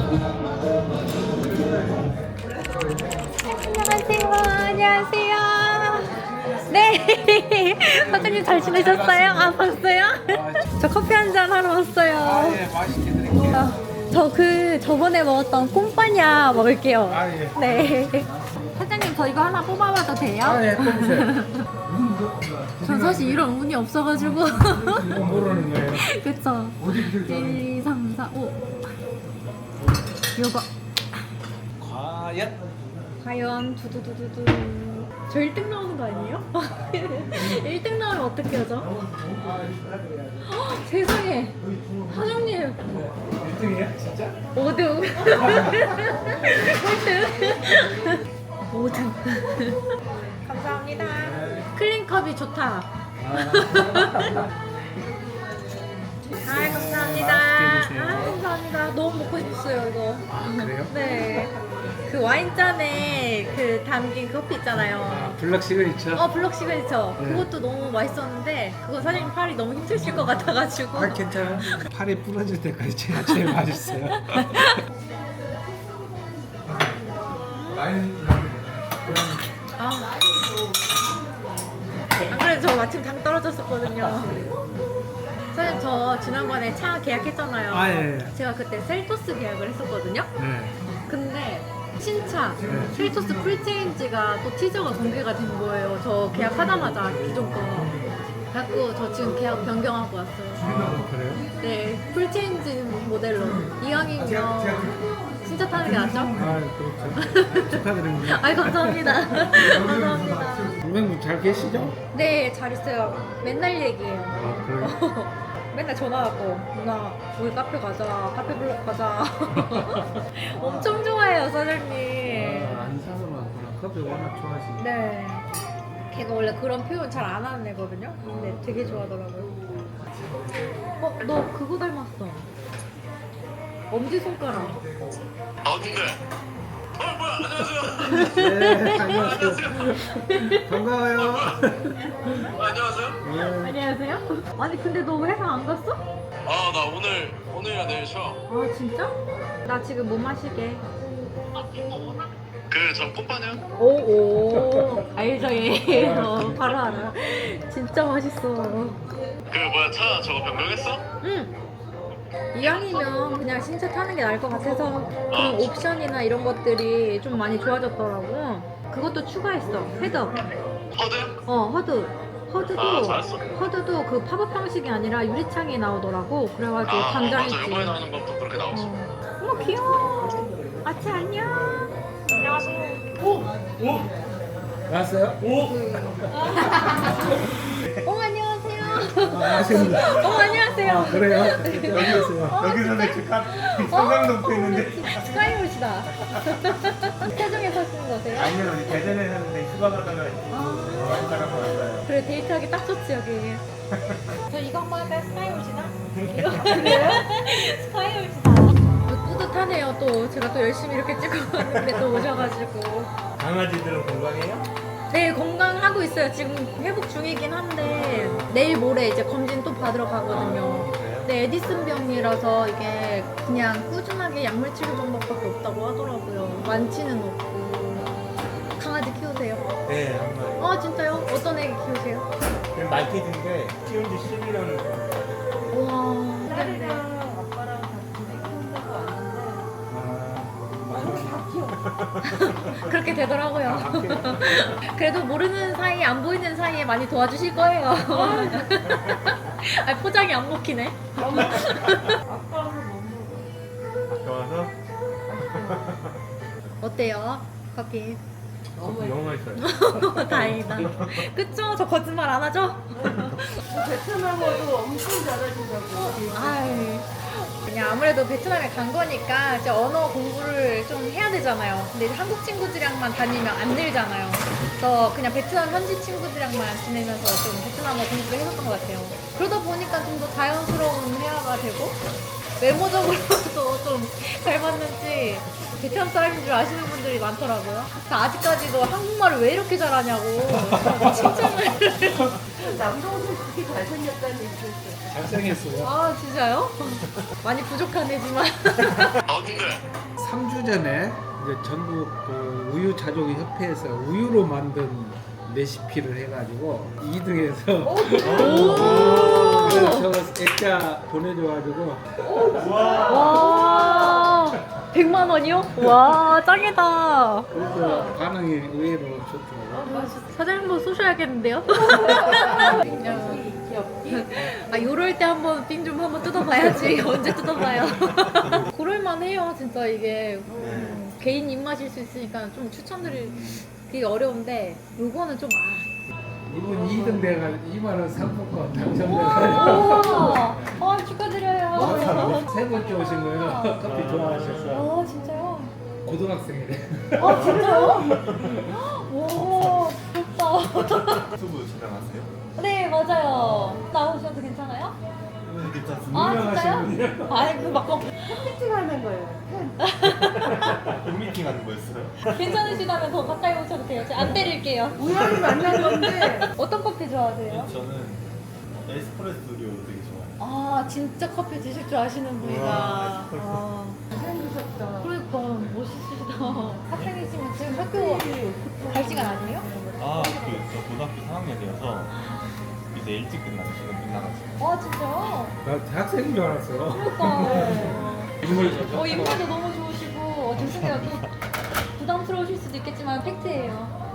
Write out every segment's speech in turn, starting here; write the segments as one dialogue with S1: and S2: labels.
S1: 안녕하세요. 안녕하세요. 네. 사장님 잘 지내셨어요? 아, 봤어요? 저 커피 한잔 하러 왔어요.
S2: 아, 예, 맛있게 드릴게요.
S1: 저 저번에 먹었던 꼼빠냐 먹을게요.
S2: 아, 예.
S1: 네. 사장님 저 이거 하나 뽑아봐도 돼요?
S2: 아, 예, 뽑으세요.
S1: 전 사실 이런 운이 없어가지고.
S2: 이거 모르는 거예요.
S1: 그쵸? 1, 2, 3, 4, 5. 요거. 과연 두두두두두. 저 1등 나오는 거 아니에요? 1등 나오면 어떻게 하죠? 헉, 세상에. 사장님.
S2: 1등이에요? 진짜?
S1: 5등. 1등. 5등. 감사합니다. 클린컵이 좋다. 아, 감사합니다. 아, 감사합니다. 너무 먹고 싶었어요, 이거.
S2: 그래요?
S1: 네. 그 와인잔에 그 담긴 커피 있잖아요.
S2: 블럭 시그니처?
S1: 블럭 시그니처.
S2: 네.
S1: 그것도 너무 맛있었는데, 그거 사장님 팔이 너무 힘드실 것 같아가지고.
S2: 아, 괜찮아. 팔이 부러질 때까지 제일 맛있어요.
S1: 아. 안 그래도 저 마침 당 떨어졌었거든요. 사장님 저 지난번에 차 계약했잖아요.
S2: 아, 예.
S1: 제가 그때 셀토스 계약을 했었거든요.
S2: 네.
S1: 근데 신차
S2: 네.
S1: 셀토스 풀체인지가 또 티저가 공개가 된 거예요. 저 계약하자마자 기존 거. 갖고 저 지금 계약 변경하고 왔어요.
S2: 아, 그래요?
S1: 네, 풀체인지 모델로. 이왕이면 신차 타는 게 낫죠?
S2: 아, 그렇죠. 축하드립니다.
S1: 아이, 감사합니다. 감사합니다.
S2: 선생님 잘 계시죠?
S1: 네, 잘 있어요. 맨날 얘기해요.
S2: 아, 그래요?
S1: 맨날 전화하고 누나 우리 카페 가자, 카페 블록 가자. 엄청 좋아해요, 사장님.
S2: 아, 안 사는 많구나. 커피 워낙 좋아하시니까.
S1: 네. 걔가 원래 그런 표현 잘 안 하는 애거든요. 근데 되게 좋아하더라고요. 너 그거 닮았어. 엄지손가락.
S3: 아 근데 뭐야 안녕하세요.
S2: 네, 안녕하세요. 반가워요.
S3: 안녕하세요.
S2: 네.
S1: 안녕하세요. 아니 근데 너 회사 안 갔어?
S3: 아 나 오늘이랑 내일 쉬어.
S1: 아 진짜? 나 지금 못 마시게.
S3: 그저 꼼빠냐?
S1: 오오 알죠 얘. 바로 알아. 진짜 맛있어.
S3: 그 뭐야 차 저거 변경했어?
S1: 응. 이왕이면 그냥 신차 타는 게 나을 것 같아서 그런 옵션이나 이런 것들이 좀 많이 좋아졌더라고. 그것도 추가했어. 헤드업.
S3: 허드?
S1: 허드. 허드도
S3: 아, 잘했어.
S1: 허드도 그 팝업 방식이 아니라 유리창에 나오더라고. 그래가지고
S3: 아
S1: 당장이지.
S3: 맞아 요번에 나오는 것도 그렇게 나왔어.
S1: 어머 귀여워. 아치 안녕.
S2: 왔어요?
S1: 안녕하세요.
S2: 아십니다.
S1: 안녕하세요.
S2: 아, 그래요? 여기 있어요.
S4: 여기서는 지금 성남동포 있는데
S1: 스카이홀이다. 세종에 사시는 거세요?
S4: 아니요 우리 대전에 사는데 휴가 가다가 한 사람 왔어요.
S1: 그래 데이트하기 딱 좋지 여기. 저 이거 한번 할까요? 스카이홀이나? 이거 할래요? 스카이홀이다. 뿌듯하네요 또. 제가 또 열심히 이렇게 찍고 왔는데 또 오셔가지고.
S4: 강아지들은 건강해요?
S1: 네 건강하고 있어요. 지금 회복 중이긴 한데 내일 모레 이제 검진 또 받으러 가거든요. 네 에디슨 병이라서 이게 그냥 꾸준하게 약물 치료 방법밖에 없다고 하더라고요. 완치는 없고. 강아지 키우세요?
S4: 네 한 마리.
S1: 진짜요? 어떤 애기 키우세요?
S4: 그냥 말티즈인데 키운 지 10일은
S1: 우와. 근데
S5: 아빠랑 같이 키운다고 왔는데
S1: 그렇게 되더라고요. 그래도 모르는 사이, 안 보이는 사이에 많이 도와주실 거예요. 포장이 안 먹히네.
S4: 좋아서
S1: 어때요? 커피.
S4: 너무 맛있어요.
S1: 다행이다. 그쵸? 저 거짓말 안 하죠?
S5: 베트남어도 엄청 잘하신다고.
S1: 아이, 그냥 아무래도 베트남에 간 거니까 이제 언어 공부를 좀 해야 되잖아요. 근데 이제 한국 친구들이랑만 다니면 안 늘잖아요. 그래서 그냥 베트남 현지 친구들이랑만 지내면서 좀 베트남어 공부를 해봤던 것 같아요. 그러다 보니까 좀 더 자연스러운 회화가 되고 외모적으로도 좀 잘 맞는지 베트남 사람인 줄 아시는 분들이 많더라고요. 그래서 아직까지도 한국말을 왜 이렇게 잘하냐고 칭찬을
S5: 남동생 그렇게 잘생겼다는 얘기 들었어요.
S2: 잘생겼어요.
S1: 아 진짜요? 많이 부족한 애지만.
S3: 아 근데
S2: 3주 전에 이제 전국 그 우유 자조기 협회에서 우유로 만든 레시피를 해가지고 2등해서 그래서 저 액자 보내줘가지고
S1: 와 100만 원이요? 와 짱이다.
S2: 그래서 반응이 의외로 좋더라고요.
S1: 사장님도 쏘셔야겠는데요? 아 요럴 때 한번 빙 좀 한번 뜯어봐야지. 언제 뜯어봐요? 그럴만해요 진짜 이게 개인 입맛일 수 있으니까 좀 추천드리기 어려운데 요거는 좀
S2: 이분 2등 돼가지고 2만 원 상품권 당첨돼가지고
S1: 와 축하드려요.
S2: 세 번째 오신 거예요. 커피 좋아하셔서
S1: 아 진짜요?
S2: 고등학생이래.
S1: 아 진짜요? 오 부럽다.
S6: 유튜브 촬영하세요?
S1: 네 맞아요. 나오셔도 괜찮아요?
S6: 네, 괜찮습니다.
S1: 아
S2: 유명하신
S1: 진짜요? 아이 그막
S5: 피팅하는 거예요.
S6: 팬미팅 하는 거였어요?
S1: 괜찮으시다면 더 가까이 오셔도 돼요. 제가 안 때릴게요.
S5: 우연히 만난 건데
S1: 어떤 커피 좋아하세요?
S6: 저는 에스프레소류 되게 좋아해요.
S1: 아 진짜 커피 드실 줄 아시는 분이다.
S6: 우와,
S1: 아,
S5: 잘생기셨다.
S1: 그러니까 멋있으시다. 학생이시면 지금 학교 갈 시간 아니에요?
S6: 아, 저 고등학교 3학년이어서 이제 일찍 끝나가지고.
S1: 아 진짜요?
S2: 나 대학생인 줄 알았어요.
S1: 그러니까.
S2: 인물
S1: 인물도 너무 좋으시고 죄송해요. 또 부담스러우실 수도 있겠지만 팩트예요.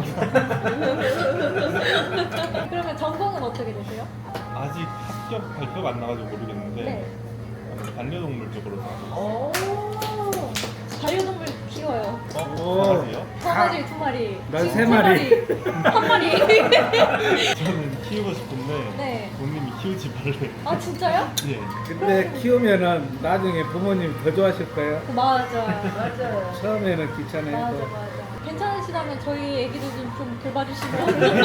S1: 그러면 전공은 어떻게 되세요?
S6: 아직 합격 발표가 안 나가지고 모르겠는데
S1: 네.
S6: 반려동물 쪽으로 나가고
S1: 오 반려동물 키워요.
S6: 강아지요?
S1: 강아지 2마리.
S2: 난
S1: 지금
S2: 3마리.
S1: 1마리.
S6: 저는 키우고 싶은데
S1: 네.
S6: 부모님이 키우지 말래.
S1: 아 진짜요?
S6: 예.
S2: 근데 키우면은 나중에 부모님 더 좋아하실 거예요.
S1: 맞아.
S5: 맞아요.
S2: 처음에는 귀찮아요.
S1: 맞아
S2: 또.
S1: 맞아. 괜찮으시다면 저희 애기도 좀 돌봐주시면.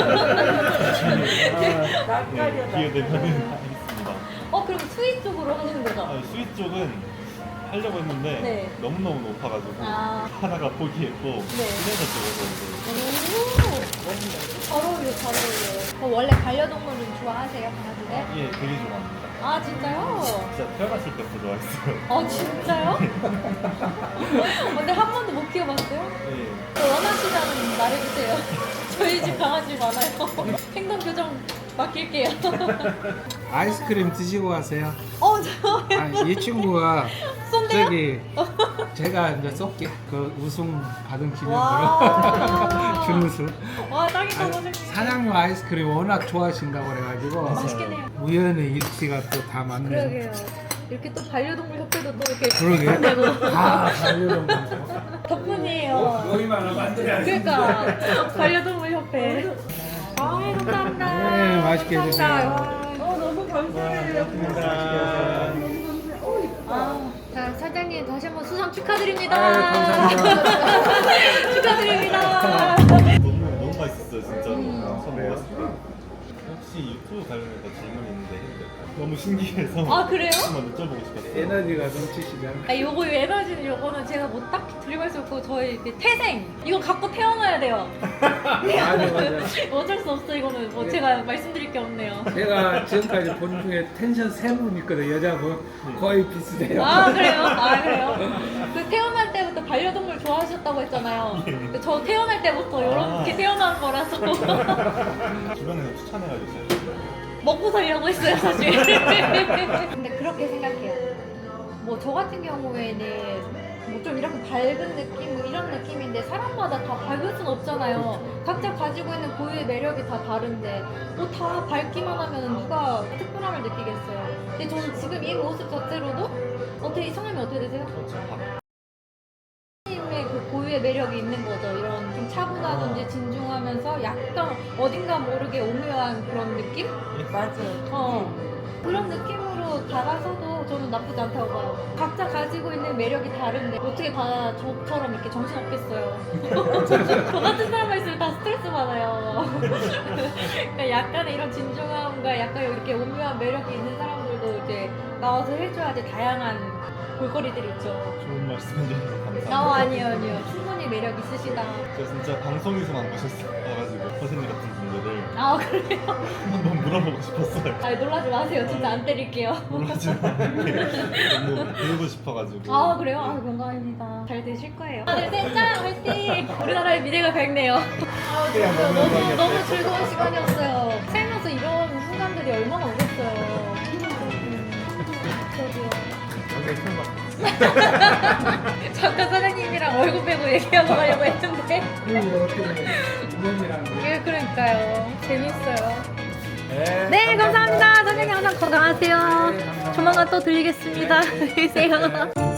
S5: 낯가려.
S6: 기회 되면은 하겠습니다.
S1: 그럼 스윗 쪽으로 하시는 거죠?
S6: 아, 스윗 쪽은 하려고 했는데
S1: 네.
S6: 너무너무 높아가지고
S1: 아.
S6: 하다가 포기했고 프리랜서 쪽으로 이제
S1: 잘 어울려, 잘 어울려. 원래 반려동물은 좋아하세요, 강아지들?
S6: 예, 되게 좋아합니다.
S1: 아, 진짜요?
S6: 진짜 태어났을 때부터 좋아했어요.
S1: 진짜요? 근데 한 번도 못 키워봤어요?
S6: 예.
S1: 원하시면 말해주세요. 저희 집 강아지 많아요. 행동 교정 맡길게요.
S2: 아이스크림 드시고 가세요.
S1: 저요?
S2: 이 친구가
S1: 쏜대요?
S2: 저기 제가 이제 쏠게. 그 우승 받은 기념으로
S1: 와.
S2: 준우승.
S1: 와, 딱이다,
S2: 아니,
S1: 선생님.
S2: 사장님 아이스크림 워낙 좋아하신다고 그래가지고
S1: 맛있겠네요.
S2: 우연의 일치가 또 다 맞네.
S1: 그러게요. 이렇게 또 반려동물 협회도 또 이렇게
S2: 그러게.
S1: 되고
S2: 다 반려동물.
S1: 덕분이에요.
S2: 여기만 만들어야지.
S1: 그러니까 반려동물 협회. 감사합니다.
S2: 네, 맛있게 드세요.
S1: 감사합니다.
S5: 너무 감사해요.
S1: 자, 사장님 다시 한번 수상 축하드립니다.
S2: 감사합니다.
S1: 축하드립니다.
S6: 너무 맛있었어요, 진짜. 처음 먹었을 때. 혹시 유튜브 관련해서 질문이 있는데 해도 될까요? 너무 신기해서
S1: 아, 그래요?
S6: 한번 여쭤보고 싶었어요.
S2: 에너지가 넘치시잖아.
S1: 요거 에너지는 요거는 제가 뭐 딱히 드리블 수 없고 저희 그 태생 이거 갖고 태어나야 돼요.
S2: 맞아 맞아.
S1: 어쩔 수 없어 이거는 뭐 제가 말씀드릴 게 없네요.
S2: 제가 지금까지 본 중에 텐션 3분 있거든. 여자분 거의 비슷해요.
S1: 아 그래요? 아 그래요? 그 태어날 때부터 반려동물 좋아하셨다고 했잖아요. 저 태어날 때부터 이렇게 태어난 거라서
S6: 주변에서 추천해가지고 제가
S1: 먹고 살려고 했어요 사실. 근데 그렇게 생각해요. 뭐 저 같은 경우에는 뭐 좀 이렇게 밝은 느낌 뭐 이런 느낌인데 사람마다 다 밝을 순 없잖아요. 각자 가지고 있는 고유의 매력이 다 다른데 뭐 다 밝기만 하면 누가 특별함을 느끼겠어요. 근데 저는 지금 이 모습 자체로도 어떻게 성함이 어떻게 되세요? 님의 그 고유의 매력이 있는 거죠. 이런 좀 차분하든지 진중하면서 약간 어딘가 모르게 오묘한 그런 느낌?
S5: 맞아요.
S1: 그런 느낌으로 다가서도 저는 나쁘지 않다고 봐요. 각자 가지고 있는 매력이 다른데 어떻게 다 저처럼 이렇게 정신 없겠어요. 저 같은 사람만 있으면 다 스트레스 받아요. 그러니까 약간의 이런 진중함과 약간 이렇게 오묘한 매력이 있는 사람들도 이제 나와서 해줘야지 다양한 볼거리들 있죠.
S6: 좋은 말씀 해주셔서 감사합니다.
S1: 아니요. 충분히 매력 있으시다.
S6: 저 진짜 방송에서만 보셨어가지고 선생님 같은 분들을
S1: 아, 그래요?
S6: 한번 물어보고 싶었어요.
S1: 아, 놀라지 마세요. 진짜 안 때릴게요.
S6: 놀라지만 너무 배우고 싶어가지고.
S1: 아, 그래요? 아, 영광입니다. 잘 되실 거예요. 하나, 둘, 셋, 짱! 화이팅! 우리나라의 미래가 밝네요. 아, 진짜 너무 즐거운 시간이었어요. 살면서 이런 순간들이 얼마나 오겠어요. 저도요. 잠깐 사장님이랑 얼굴 빼고 얘기하고 가려고 했는데.
S2: 그리고 어떻게 부모님이랑
S1: 예, 그러니까요. 재밌어요.
S2: 네,
S1: 네, 감사합니다. 사장님 항상 건강하세요. 조만간 또 들리겠습니다. 안녕히 계세요.